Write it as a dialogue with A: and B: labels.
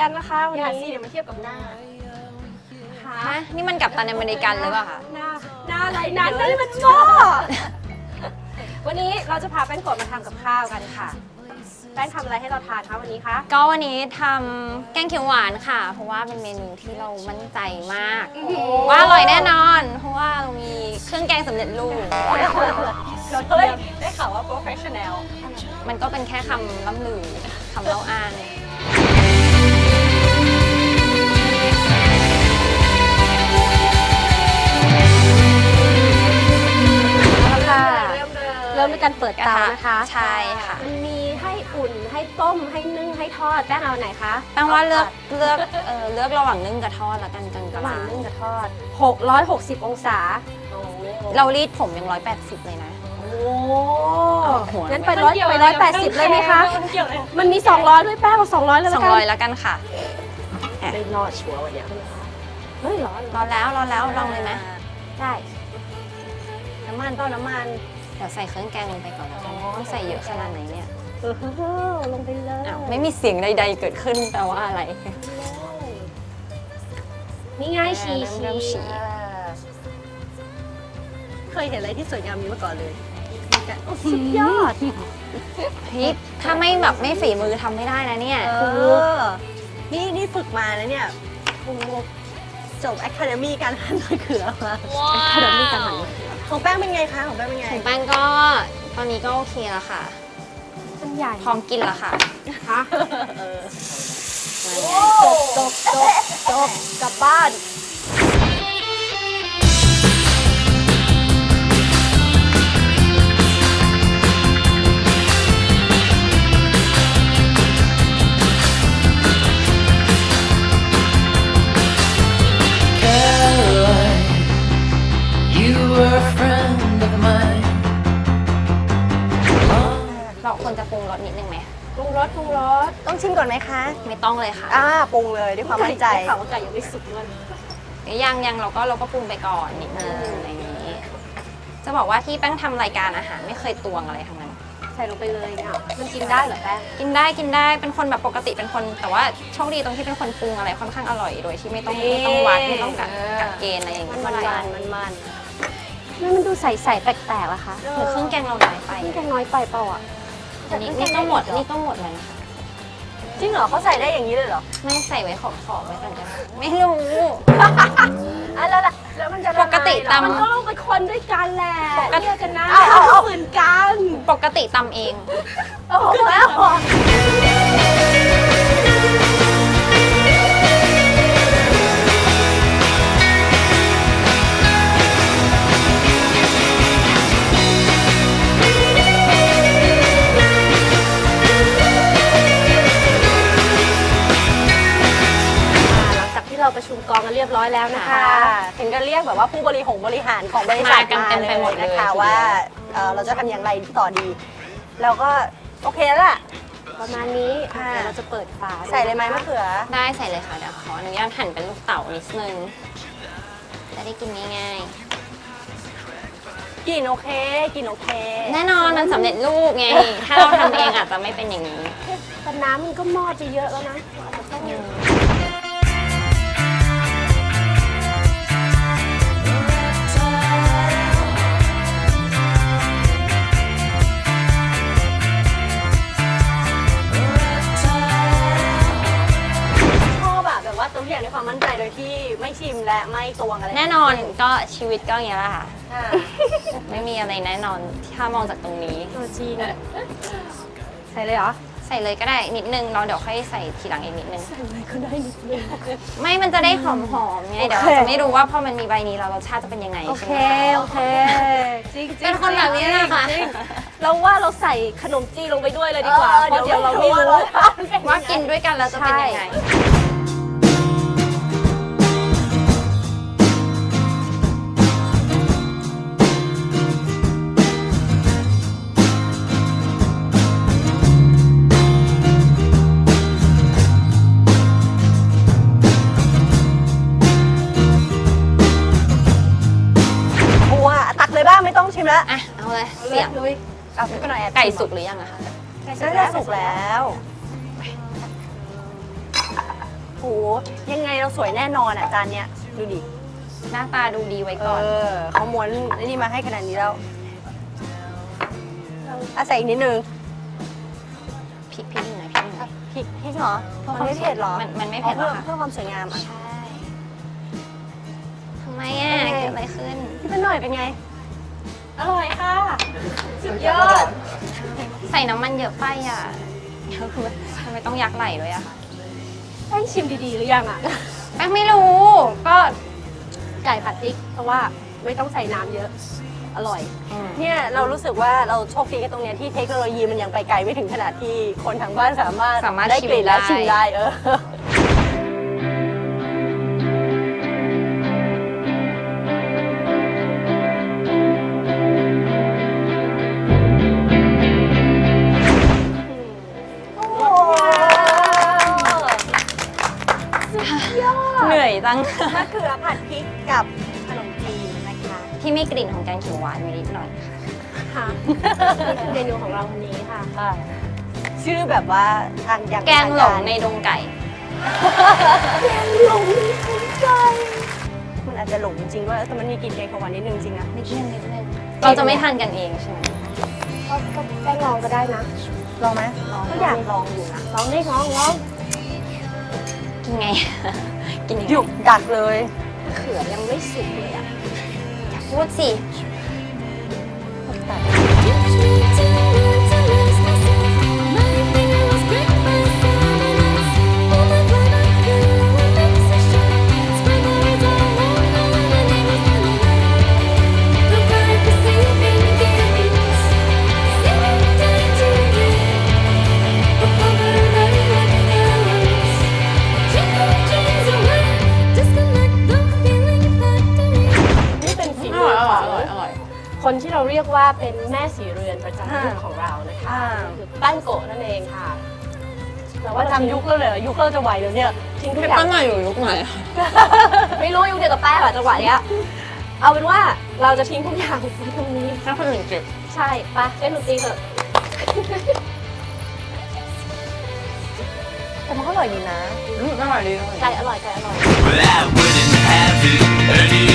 A: กันนะคะวัน
B: อย่า
A: นี้
B: สิเดี๋ยวมาเทียบกับหน้า
C: ฮะนี่มันกัปตันอเมริกันหรือเปล่าคะ
A: หน้าอะไรนั้นนั่นมันโง่วันนี้เราจะพาแป้งกดมาทำกับข้าวกันค่ะแป้งทำอะไรให้เราทานคะวันนี้คะ
C: ก็วันนี้ทำแกงเขียวหวานค่ะ เพราะว่าเป็นเมนูที่เรามั่นใจมาก ว่าอร่อยแน่นอน เพราะว่าเรามีเครื่องแกงสำเร็จรูป
B: เฮ้ยได้ข่าวว่า professional
C: มันก็เป็นแค่คำล่ำลือคำเล่าอ้าง
A: เอาละค่ะ
B: เริ่มเลย
A: เริ่มด้วยการเปิดเตานะคะ
C: ใช่ค่ะ
A: มันมีให้อุ่นให้ต้มให้นึ่งให้ทอดแป้งเอาไหนคะ
C: แปลว่าเลือกระหว่างนึ่งกับทอดแล้วกันกลาง
A: ระหว่างนึ่ง
C: ๆ
A: กับทอด660องศา
C: เรารีดผมยัง180เลยนะ
A: โอ้
C: หัว
A: งั้นไป180เลยไหมคะ
B: มันเกี่ยวอะไร
A: มันมี200ด้วยแป้งเอา200เลยแล้วกัน
C: 200แล้วกันค่ะ
A: ไม่รอดชัวร์วันเนี้ยเฮ้ยร้อน
C: รอแล้วลองเลยไหม
A: ได้
B: น้ำมันต้นน้ำมัน
C: เดี๋ยวใส่เครื่องแกงลงไปก่อนแล้วกันต้องใส่เยอะขนาดไหนเนี่ย
A: ลงไปเลย
C: อ้าวไม่มีเสียงใดๆเกิดขึ้นแปลว่าอะไร
A: นี่ง่ายชี
C: เริ่มฉี่
B: เคยเห็นอะไรที่สวยงามนี้มาก่อนเลย
A: สุดยอด
C: พี่ถ้าไม่ฝีมือทำไม่ได้นะเนี่ย
B: นี่ฝึกมานะเนี่ยจบ Academy การหั่นมะเขือมา
A: ขนมมีกันหัน
B: ของแป้งเป็นไงคะของแป้งเป็นไง
C: ของแป้งก็ตอนนี้ก็โอเคแล้วค่ะ
A: มันใหญ่
C: พร้อมกินแล้วค่ะ
A: ฮะ
B: จบกลับบ้าน
D: Caroline, you were a friend of mine.
C: เราควรจะปรุงรสนิดนึงไหม
A: ปรุงรส
B: ต้องชิมก่อนไหมคะ
C: ไม่ต้องเลยค่ะ
B: ปรุงเลยด้วยความมั่นใจ
A: ได้ข่าวว่าไก่ยังไม่สุกด้วย
C: ยังเราก็ปรุงไปก่อนนิดนึงอะไรอย่างนี้ จะบอกว่าที่แป้งทำรายการอาหารไม่เคยตวงอะไรทั้งนั้น
A: ใส่ลงไปเลยเนี่ยมันกินได้เหรอแป้ง
C: กินได้เป็นคนแบบปกติเป็นคน แต่ว่าโชคดีตรงที่เป็นคนปรุงอะไรค่อนข้างอร่อยโดยที่ไม่ต้องวัดไม่ต้องกะเกณฑ์อะไรอย่างนี้
B: มัน
C: เท่าไหร่
A: มันดูใส่แปลกๆอะคะ
C: หรือเครื่องแกงเราน้อยไป
A: นี่แกงน้อยไปเปล่าอ่ะ
C: อันนี่ก็หมดแล้วนะคะ
B: จริงเหรอเขาใส่ได้อย่างนี้เลยเหรอ
C: ไม่ใส่ไว้ขอบไว้ก่อนกันไม่รู้
B: แล้วมันจะละลาย
C: ปกติตำ
A: มันก็ลงไปคนด้วยกันแหละเรียกกันนะ
B: เอา
A: เหมือนกัน
C: ปกติตำเอง
A: โอ้โหแล้ว หลังจากที่เราประชุมกองกันเรียบร้อยแล้วนะคะ
B: ถึงจะเรียกแบบว่าผู้บริหารของบริษัท
C: มากันเต็มไปหมดเลย
B: นะคะว่าเราจะทำอย่างไรต่อดี เราก็โอเคแล้วล่ะ
A: ประมาณนี้
B: ค่ะ
A: เดี๋ยวเราจะเปิดฝา
B: ใส่เลยไหมมะเขือ
C: ได้ใส่เลยค่ะเดี๋ยวขออนุญาตหั่นเป็นลูกเต๋านิดนึงจะได้กินง่าย
B: กินโอเค
C: ๆแน่นอนมันสำเร็จรูปไง ถ้าเราทำเองอาจจะไม่เป็นอย่างนี้
A: แต่น้ำมันก็มอดไปเยอะแล้วนะอาจจะต้อง
B: ชอบแบบว่าตัวอย่างในความมั่นใจโดยที่ไม่ชิมและไม่ตวงอะไร
C: แน่นอนก็ชีวิตก็อย่างนี้แหละค่ะ
B: ค่ะ
C: ไม่มีอะไรแน่นอนถ้ามองจากตรงนี้
A: ตัวจีนใส่เลยเหรอ
C: ใส่เลยก็ได้นิดนึงเราเดี๋ยวค่อยใส่ทีหลังอีกนิดนึง
A: ใส่เลยก็ได้นิดนึง
C: ไม่มันจะได้หอมๆไงเดี๋ยวเราจะไม่รู้ว่าพอมันมีใบนี้แล้วรสชาติจะเป็นยังไง
A: โอ
C: ใช่
A: เค
C: ไหมคะ
A: โอเคจริงๆ
C: เป็นคนแบบนี้แหละค่ะ
A: จริงๆเราว่าเราใส่ขนมจีนลงไปด้วยเลยดีกว่าเพราะเดี๋ยวเราไม่รู้
C: ว่ากินด้วยกันแล้วจะเป็นยังไง
B: บัวตักเลยบ้างไม่ต้องชิมแล้ว
C: อ่ะเอาเลยเสียง
B: เอาไปหน่อย
C: ไก่สุกหรือยังอะคะ
B: น่าจะสุกแล้วหยังไงเราสวยแน่นอนอ่ะจานเนี้ยดูดิ
C: หน้าตาดูดีไว้
B: เอ
C: ก่อน
B: อเขาม้วนไอ้นี่มาให้ขนาดนี้แล้วใส่อีกนิดนึง
C: พริกหน่อยพริกหน่อย
B: พริกเหรอมันไม่เผ็ดเหรอ
C: มันไม่เผ็ดหร
B: เพื่
C: อ
B: อ
C: คะ
B: เพื่อความสวยงามอ่ะ
C: ใช่ทำไมอ่ะ
B: โอเค
C: เกิดอะไรขึ้น
B: พี่เป็นหน่อยเป็นไง
A: อร่อยค่ะ สุดยอด
C: ใส่น้ำมันเยอะไปอ่ะทำไมต้องยักไหลด้วยอะคะ
A: แป้งชิมดีๆหรือยังอ่ะ
C: แป้งไม่รู้ก็
A: ไก่ผัดพริก เพราะว่าไม่ต้องใส่น้ำเยอะ อร่อย
B: เนี่ยเรารู้สึกว่าเราโชคดีกันตรงเนี้ยที่เทคโนโลยีมันยังไปไกลไม่ถึงขนาดที่คนทางบ้านสามารถได้กลิ่นและชิมได้
C: เหนื่อยจัง
B: มะเขือผัดพริกกับขนมจีนนะคะ
C: ที่มีกลิ่นของแกงเขียวหวานนิดหน่อย
A: ค่ะนี่คือเมนูของเราวันนี้ค่ะ
B: ชื่อแบบว่าทางยัง
C: แกงหลงในดงไก่
B: หลงใจมันอาจจะหลงจริงๆด้วยแต่มันมีกลิ่นแกงเขียวหวานนิดนึงจริงนะ
C: นิดนึงเราจะไม่ทานกันเองใช่ไหม
A: ก็แป้งลองก็ได้นะ
B: ลองไหมก็อยากลองอยู่นะ
A: ลองได้ลอง
C: ยังไง กินยัง
B: ห
C: ไง
B: ยุกดักเลย
A: เขือยังไม่สุกเลยอ่ะ
C: อยากพูดสิ
A: นี่เป็นฝีมือของคนที่เราเรียกว่าเป็นแม่สีเรือนประจำยุคของเรานะคะคือแป้งโกะนั่นเองค่ะแต่ว่า
B: ว่าทำยุคเราเลยเหรอยุคเราจะไหวแล้วเนี่ย
A: ทิ้งทุกอย่าง
C: หน่อยอยู่ยุคไหน
A: ไม่รู้ยุคเดียวกับแป้งอะจังหวะเนี้ยเอาเป็นว่าเราจะทิ้งทุกอย่างไว้ตรงนี้
C: ถ้าคนอื่นจิบ
A: ใช่ไปเล่นดนตรีเถอะ
B: แต่มันก็อร่อยดีนะ
C: อร่อยดี
A: ไก่อร่อยไก่อร่อย
D: But I wouldn't have it any